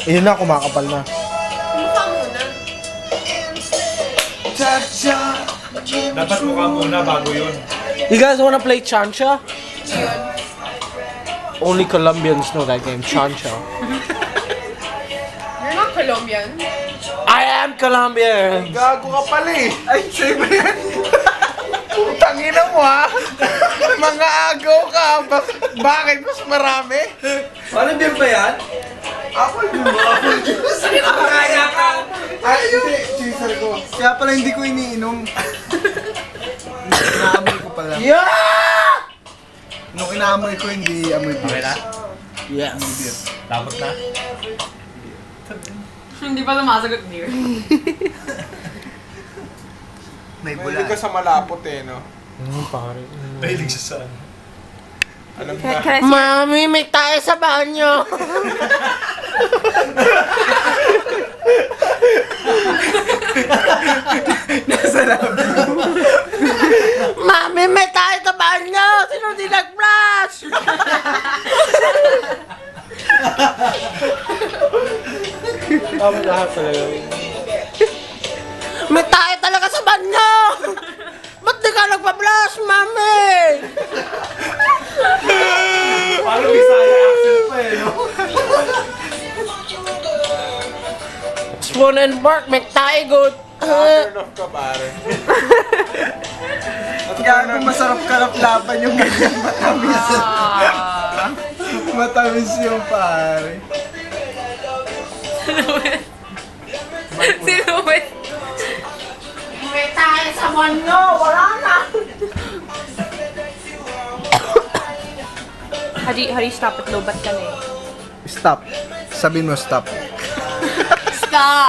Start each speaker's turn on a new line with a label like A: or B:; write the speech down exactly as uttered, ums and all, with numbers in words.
A: Ayun na, kumakapal na.
B: Mukha muna.
A: Cha-cha!
C: Dapat mukha muna bago yun.
A: You guys wanna play Chancha?
B: Yun.
A: Only Colombians know that game, Chancha.
B: You're not Colombian.
A: I am Colombian!
D: Gago ka pala eh. Ay, sa'yo ba yan? Putang ina mo ha. Mga agaw ka. Bak- bakit mas marami?
E: Ano beer ba yan?
D: Apple juice. Apple juice.
E: Kaya ka!
D: Ay, hindi. Chaser ko. Kaya pala hindi ko iniinom. Inaamoy ko pala.
A: Yeah!
D: Nung inaamoy ko, hindi amoy
C: Okay
D: beer.
C: na?
A: Yes.
C: Tapos na?
B: Hindi pa sumasagot beer.
D: May bula. Mahilig ka sa malapot eh, no?
A: Hmm, pare.
C: Mahilig siya sa ano.
D: Alam na.
A: Mami, may tayo sa banyo!
D: Nasa labi.
A: Mami, may tayo sa banyo! Sino di nag-flash? Tama lahat talaga. May tayo talaga sa banyo! Ba't di ka nagpa-flash, Mami?
E: Parang Bisaya accent pa eh, no?
A: Spoon and fork, may tayo good.
D: Turn off ka, pare. At kaya kung masarap kalap-lapan yung ganyan, matamis. Matamis yung pare.
B: Sino ba?
A: May tayo sa banyo! Wala na!
B: How do you, how do you stop at low bat ka na eh?
D: Stop. Sabihin mo stop.
B: Stop!